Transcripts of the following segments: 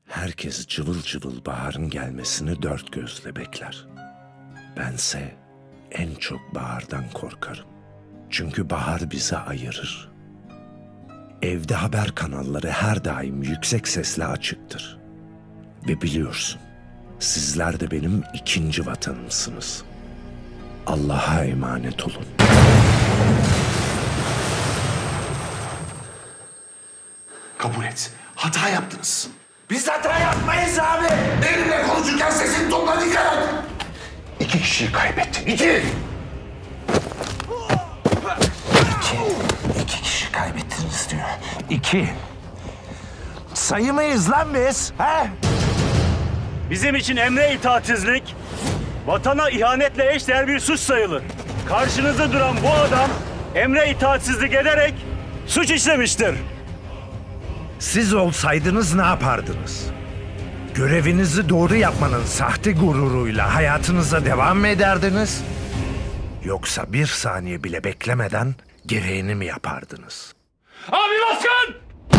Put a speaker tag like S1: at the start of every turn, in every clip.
S1: Herkes cıvıl cıvıl baharın gelmesini dört gözle bekler. Bense en çok bahardan korkarım. Çünkü bahar bizi ayırır. Evde haber kanalları her daim yüksek sesle açıktır. Ve biliyorsun, sizler de benim ikinci vatanımsınız. Allah'a emanet olun.
S2: Kabul et. Hata yaptınız.
S3: Biz hata yapmayız abi.
S2: Benimle konuşurken sesini topla, dikkat et. 2 kişiyi kaybettin. 2.
S3: İki kişi kaybettiniz diyor. 2. Sayı mıyız lan biz? He?
S4: Bizim için emre itaatsizlik, vatana ihanetle eşdeğer bir suç sayılır. Karşınızda duran bu adam emre itaatsizlik ederek suç işlemiştir.
S1: Siz olsaydınız ne yapardınız? Görevinizi doğru yapmanın sahte gururuyla hayatınıza devam mı ederdiniz? Yoksa bir saniye bile beklemeden gereğini mi yapardınız?
S4: Abi baskın!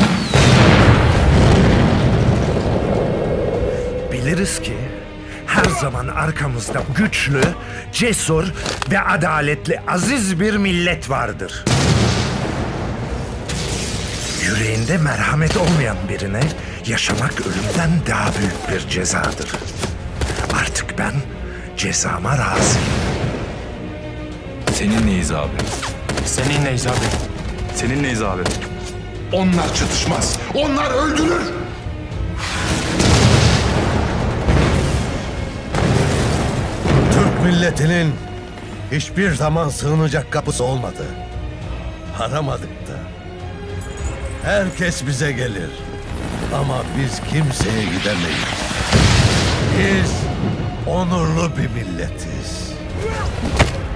S1: Biliriz ki her zaman arkamızda güçlü, cesur ve adaletli aziz bir millet vardır. Yüreğinde merhamet olmayan birine yaşamak ölümden daha büyük bir cezadır. Artık ben cezama razıyım.
S5: Seninleyiz abi.
S6: Seninleyiz abi.
S5: Seninleyiz abi.
S2: Onlar çatışmaz. Onlar öldürür.
S7: Türk milletinin hiçbir zaman sığınacak kapısı olmadı. Aramadık da. Herkes bize gelir. Ama biz kimseye gidemeyiz. Biz onurlu bir milletiz.